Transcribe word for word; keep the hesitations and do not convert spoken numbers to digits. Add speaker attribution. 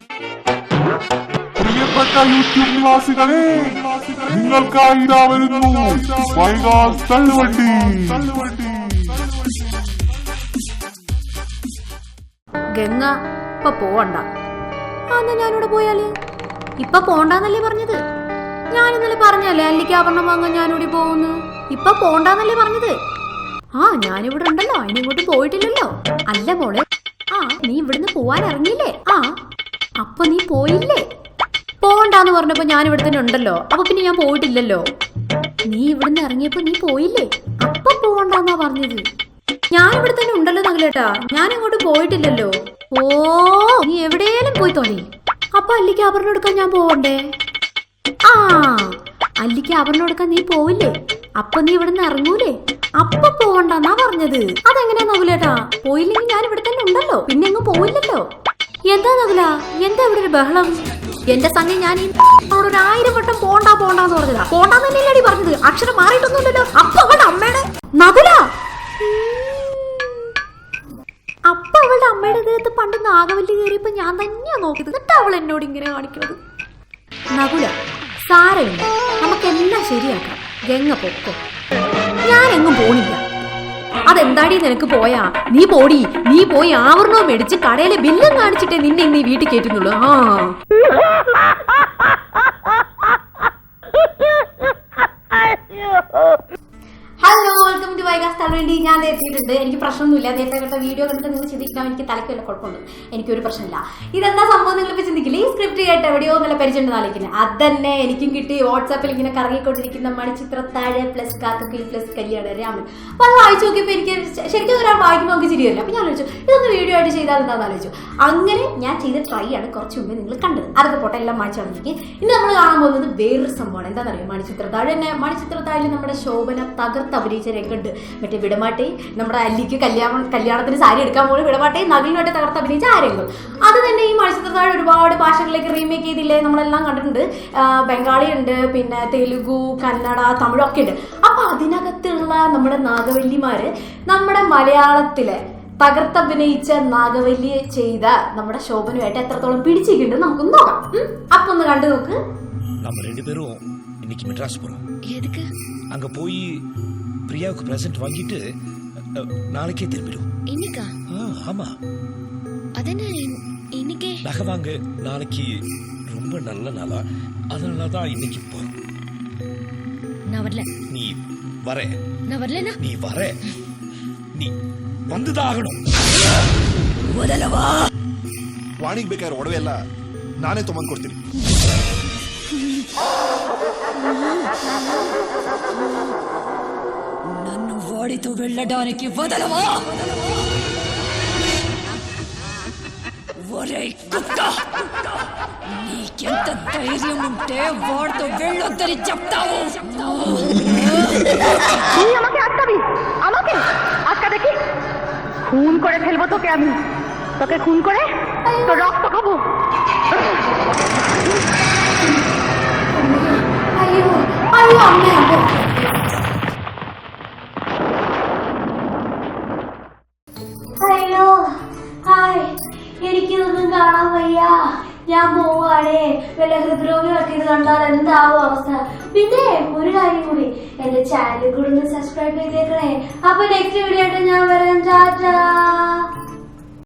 Speaker 1: പ്രിയപ്പെട്ട യൂട്യൂബ് നിവാസികളെ, നിങ്ങൾക്കായി ഇതാ വരുന്നു വൈകാസ് തള്ളുവണ്ടി.
Speaker 2: ഗംഗ ഇപ്പൊ പോവണ്ട. അന്ന് ഞാനിവിടെ പോയാല് ഇപ്പൊ പോണ്ടാന്നല്ലേ പറഞ്ഞത്? ഞാൻ ഇന്നലെ പറഞ്ഞല്ലേ അല്ലിക്ക് ആഭരണം വാങ്ങാൻ ഞാനിവിടെ പോകുന്നു. ഇപ്പൊ പോണ്ടാന്നല്ലേ പറഞ്ഞത്? ആ ഞാനിവിടെ ഉണ്ടല്ലോ, അതിനിങ്ങോട്ട് പോയിട്ടില്ലല്ലോ. അല്ല മോളെ, ആ നീ ഇവിടുന്ന് പോവാൻ ഇറങ്ങിയില്ലേ? ആ അപ്പൊ നീ പോയില്ലേ? പോണ്ടാന്ന് പറഞ്ഞപ്പോ ഞാൻ ഇവിടെ തന്നെ ഉണ്ടല്ലോ, അപ്പൊ പിന്നെ ഞാൻ പോയിട്ടില്ലല്ലോ. നീ ഇവിടുന്ന് ഇറങ്ങിയപ്പോ നീ പോയില്ലേ? അപ്പൊ പോവണ്ടെന്നാ പറഞ്ഞത്. ഞാൻ ഇവിടെ തന്നെ ഉണ്ടല്ലോ നഗലേട്ടാ, ഞാൻ ഇങ്ങോട്ട് പോയിട്ടില്ലല്ലോ. ഓ നീ എവിടെയെങ്കിലും പോയി തോന്നി. അപ്പൊ അല്ലിക്ക് ആഭരണം എടുക്കാൻ ഞാൻ പോവണ്ടേ? ആ അല്ലിക്ക് ആഭരണം എടുക്കാൻ നീ പോവില്ലേ? അപ്പൊ നീ ഇവിടുന്ന് ഇറങ്ങൂലേ? അപ്പൊ പോവണ്ടെന്നാ പറഞ്ഞത്. അതെങ്ങനെയാ നഗലേട്ടാ? പോയില്ലെങ്കിൽ ഞാൻ ഇവിടെ തന്നെ ഉണ്ടല്ലോ, പിന്നെ എങ്ങും പോയില്ലല്ലോ. എന്താ നഗല, എന്താ ഇവിടെ ഒരു ബഹളം? എന്റെ തന്നെ ഞാൻ ഒരു ആയിരം വട്ടം പോണ്ടാ പോണ്ടാന്ന് പറഞ്ഞതാ. പോണ്ടാന്നല്ലേ പറഞ്ഞത്, അക്ഷരം മാറിയിട്ടൊന്നുമില്ലല്ലോ. അപ്പൊ അവളുടെ അമ്മയുടെ നഗല, അപ്പൊ അവളുടെ അമ്മയുടെ ദേഹത്ത് പണ്ട് നാഗവല്ലി കയറിയപ്പോ ഞാൻ തന്നെയാ നോക്കിയത്. എന്നിട്ട് അവൾ എന്നോട് ഇങ്ങനെ കാണിക്കുന്നത്. നകുല സാരമില്ല, നമുക്കെല്ലാം ശരിയാക്കാം. ഗംഗ പൊക്കോ, ഞാൻ എങ്ങും പോണില്ല. അതെന്താടി നിനക്ക് പോയാ? നീ പോടി, നീ പോയി ആവരണവും മേടിച്ച് കടയിലെ ബില്ലും കാണിച്ചിട്ടേ നിന്നെ ഇന്ന് ഈ വീട്ടിൽ കയറ്റുന്നുള്ളൂ. ആ ഹലോ, വെൽക്കം ടു വൈകാസ് തള്ളുവണ്ടി. ഞാൻ എത്തിയിട്ടുണ്ട്. എനിക്ക് പ്രശ്നമൊന്നുമില്ല. നേരത്തെ കണ്ട വീഡിയോ കണ്ടിട്ട് നിങ്ങൾ ചിന്തിക്കണം എനിക്ക് തലയ്ക്കല്ല കുഴപ്പമുണ്ട്, എനിക്കൊരു പ്രശ്നമില്ല. ഇതെന്താ സംഭവം നിങ്ങളിപ്പോൾ ചിന്തിക്കില്ല. ഈ സ്ക്രിപ്റ്റ് കേട്ട് എവിടെയോ നല്ല പരിചയം ആലോചിക്കുന്നത് അതന്നെ എനിക്കും കിട്ടി. വാട്സാപ്പിൽ ഇങ്ങനെ കറങ്ങിക്കൊണ്ടിരിക്കുന്ന മണിച്ചിത്രത്താഴ് പ്ലസ് കാക്കക്കിൽ പ്ലസ് കല്യാണ രാമൻ. അപ്പോൾ അത് വായിച്ചു നോക്കിയപ്പോൾ എനിക്ക് ശരിക്കും ഒരാൾ വായിക്കുമ്പോൾ നമുക്ക് ചിരിയല്ല. അപ്പോൾ ഞാൻ ആലോചിച്ചു ഇതൊന്ന് വീഡിയോ ആയിട്ട് ചെയ്താൽ എന്താണെന്ന് ആലോചിച്ചു. അങ്ങനെ ഞാൻ ചെയ്ത ട്രൈ ആണ് കുറച്ച് മുമ്പ് നിങ്ങൾ കണ്ടത്. അതൊക്കെ പോട്ടെ, എല്ലാം മാറ്റി വന്നിരിക്കും. ഇന്ന് നമ്മൾ കാണാൻ പോകുന്നത് വേറൊരു സംഭവമാണ്. എന്താണെന്നറിയോ? മണിച്ചിത്രത്താഴ് തന്നെ. മണിച്ചിത്രത്താഴിൽ നമ്മുടെ ശോഭന തകർത്ത് അഭിനയിച്ച രംഗമുണ്ട്. മറ്റേ വിടമാട്ടെ, നമ്മുടെ അല്ലിക്ക് കല്യാണം കല്യാണത്തിന് സാരി എടുക്കാൻ പോകുന്ന വിടമാട്ടെ നഗലിനുമായിട്ട് തകർത്ത് അഭിനയിച്ച ആ രംഗം. അത് തന്നെ ഈ മണിച്ചിത്രത്താഴ് ഒരുപാട് ഭാഷകളിലേക്ക് റീമേക്ക് ചെയ്തില്ലേ, നമ്മളെല്ലാം കണ്ടിട്ടുണ്ട്. ബംഗാളി ഉണ്ട്, പിന്നെ തെലുഗു, കന്നഡ, തമിഴൊക്കെ ഉണ്ട്. അപ്പൊ അതിനകത്തുള്ള നമ്മുടെ നാഗവല്ലിമാര് നമ്മുടെ മലയാളത്തിലെ തകർത്തഭിനയിച്ച നാഗവല്ലി ചെയ്ത നമ്മുടെ ശോഭനുമായിട്ട് എത്രത്തോളം പിടിച്ചിട്ടുണ്ട് നമുക്കൊന്ന് നോക്കാം. അപ്പൊ ഒന്ന് കണ്ടു നോക്ക്.
Speaker 3: நம்ம ரெண்டு பேரும் இன்னைக்கு மெட்ராஸ் போறோம். எதுக்கு? அங்க போய் பிரியாவுக்கு பிரசன்ட் வாங்கிட்டு நாளைக்கே திரும்பிடும். இன்னைக்கா? ஆமா. அதென்ன இன்னைக்கே? நகை வாங்க நாளைக்கு ரொம்ப நல்ல நாளா, அதனால தான் இன்னைக்கு போறோம். நான் வரல. நீ வர. நான் வரலனா? நீ வர. நீ வந்துதான் ஆகணும். ಮೊದಲವಾ ವಾಣಿಗೆ ಬೇಕಾದ್ರೆ ಒಡವೆ ಎಲ್ಲ ನಾನೇ ತೊಗೊಂಡು ಕೊಡ್ತೀನಿ. నన్ను వాడితో వెళ్ళడానికి వదలవా? ఒరేయ్ కుక్క, నీకెంత ధైర్యం ఉంటే వాడితో వెళ్ళొద్దని చెప్తావు? তুই আমাকে আটকাবি? আমাকে আটকা দেখি? খুন করে ফেলবো তোকে আমি। তোকে খুন করে তোর রক্ত খাবো। അയ്യോ അയ്യോ അമ്മ. അയ്യോ ഹായ്, എനിക്കിതൊന്നും കാണാൻ വയ്യ. ഞാൻ പോവാണേ. വല്ല ഹൃദ്രോഗികളൊക്കെ ഇത് കണ്ടാൽ എന്താവും അവസ്ഥ? പിന്നെ ഒരു കാര്യം കൂടി, എന്റെ ചാനൽ കൂടെ ഒന്ന് സബ്സ്ക്രൈബ് ചെയ്തേക്കണേ. അപ്പൊ നെക്സ്റ്റ് വീഡിയോ ആയിട്ട് ഞാൻ വരാം. ടാറ്റാ.